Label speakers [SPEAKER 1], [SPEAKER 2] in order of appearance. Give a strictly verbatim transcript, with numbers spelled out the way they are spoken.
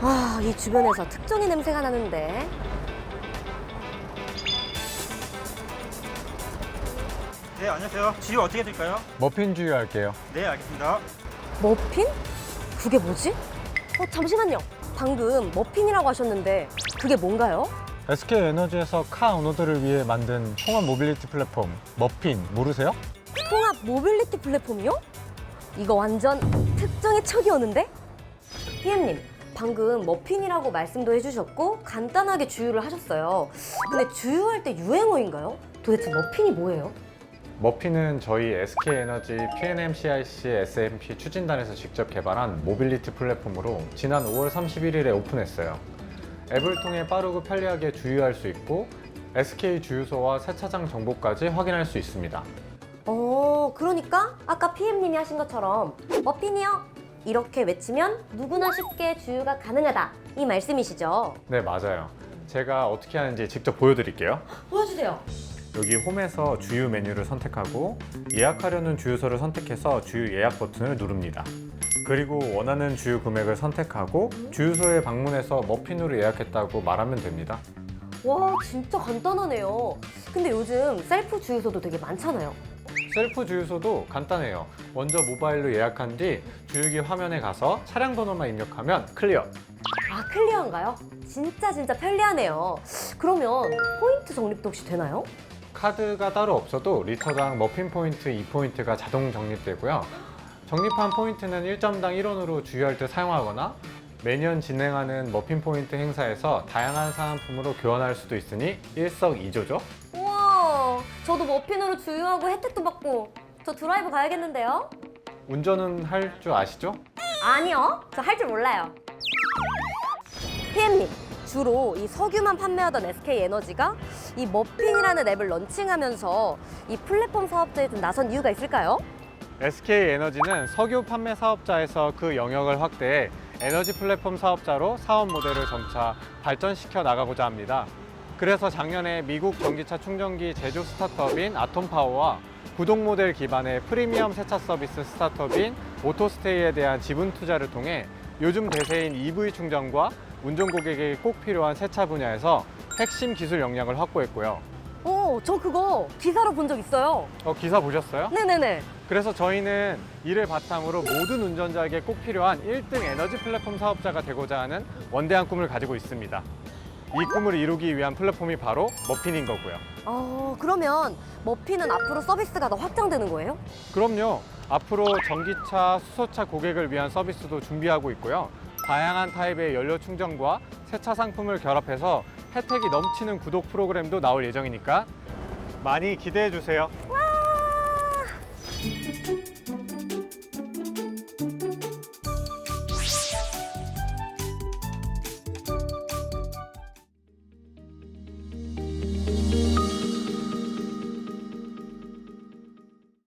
[SPEAKER 1] 아, 이 주변에서 특종의 냄새가 나는데.
[SPEAKER 2] 네, 안녕하세요. 지유 어떻게 드릴까요?
[SPEAKER 3] 머핀 주유할게요.
[SPEAKER 2] 네, 알겠습니다.
[SPEAKER 1] 머핀? 그게 뭐지? 어, 잠시만요. 방금 머핀이라고 하셨는데 그게 뭔가요?
[SPEAKER 3] 에스케이에너지에서 카 오너들을 위해 만든 통합 모빌리티 플랫폼 머핀 모르세요?
[SPEAKER 1] 통합 모빌리티 플랫폼이요? 이거 완전 특종의 척이 오는데? 피엠님, 방금 머핀이라고 말씀도 해주셨고 간단하게 주유를 하셨어요. 근데 주유할 때 유행어인가요? 도대체 머핀이 뭐예요?
[SPEAKER 3] 머핀은 저희 에스케이에너지 피엔엠씨아이씨 에스엠피 추진단에서 직접 개발한 모빌리티 플랫폼으로 지난 오월 삼십일일에 오픈했어요. 앱을 통해 빠르고 편리하게 주유할 수 있고 에스케이 주유소와 세차장 정보까지 확인할 수 있습니다.
[SPEAKER 1] 어, 그러니까 아까 피엠님이 하신 것처럼 머핀이요? 이렇게 외치면 누구나 쉽게 주유가 가능하다 이 말씀이시죠?
[SPEAKER 3] 네, 맞아요. 제가 어떻게 하는지 직접 보여드릴게요.
[SPEAKER 1] 보여주세요.
[SPEAKER 3] 여기 홈에서 주유 메뉴를 선택하고 예약하려는 주유소를 선택해서 주유 예약 버튼을 누릅니다. 그리고 원하는 주유 금액을 선택하고 주유소에 방문해서 머핀으로 예약했다고 말하면 됩니다.
[SPEAKER 1] 와, 진짜 간단하네요. 근데 요즘 셀프 주유소도 되게 많잖아요.
[SPEAKER 3] 셀프 주유소도 간단해요. 먼저 모바일로 예약한 뒤 주유기 화면에 가서 차량 번호만 입력하면 클리어.
[SPEAKER 1] 아, 클리어인가요? 진짜 진짜 편리하네요. 그러면 포인트 적립도 혹시 되나요?
[SPEAKER 3] 카드가 따로 없어도 리터당 머핀 포인트 이 포인트가 자동 적립되고요. 적립한 포인트는 일 점당 일 원으로 주유할 때 사용하거나 매년 진행하는 머핀 포인트 행사에서 다양한 사은품으로 교환할 수도 있으니 일석이조죠.
[SPEAKER 1] 우와, 저도 머핀으로 주유하고 혜택도 받고 저 드라이브 가야겠는데요?
[SPEAKER 3] 운전은 할 줄 아시죠?
[SPEAKER 1] 아니요, 저 할 줄 몰라요. 피엠님, 주로 이 석유만 판매하던 에스케이에너지가 이 머핀이라는 앱을 런칭하면서 이 플랫폼 사업자에 좀 나선 이유가 있을까요?
[SPEAKER 3] 에스케이에너지는 석유 판매 사업자에서 그 영역을 확대해 에너지 플랫폼 사업자로 사업 모델을 점차 발전시켜 나가고자 합니다. 그래서 작년에 미국 전기차 충전기 제조 스타트업인 아톰파워와 구독 모델 기반의 프리미엄 세차 서비스 스타트업인 오토스테이에 대한 지분 투자를 통해 요즘 대세인 이브이 충전과 운전 고객에게 꼭 필요한 세차 분야에서 핵심 기술 역량을 확보했고요.
[SPEAKER 1] 오, 저 그거 기사로 본 적 있어요.
[SPEAKER 3] 어, 기사 보셨어요?
[SPEAKER 1] 네네네.
[SPEAKER 3] 그래서 저희는 이를 바탕으로 모든 운전자에게 꼭 필요한 일 등 에너지 플랫폼 사업자가 되고자 하는 원대한 꿈을 가지고 있습니다. 이 꿈을 이루기 위한 플랫폼이 바로 머핀인 거고요.
[SPEAKER 1] 어, 그러면 머핀은 앞으로 서비스가 더 확장되는 거예요?
[SPEAKER 3] 그럼요. 앞으로 전기차, 수소차 고객을 위한 서비스도 준비하고 있고요. 다양한 타입의 연료 충전과 세차 상품을 결합해서 혜택이 넘치는 구독 프로그램도 나올 예정이니까 많이 기대해 주세요.
[SPEAKER 1] 와!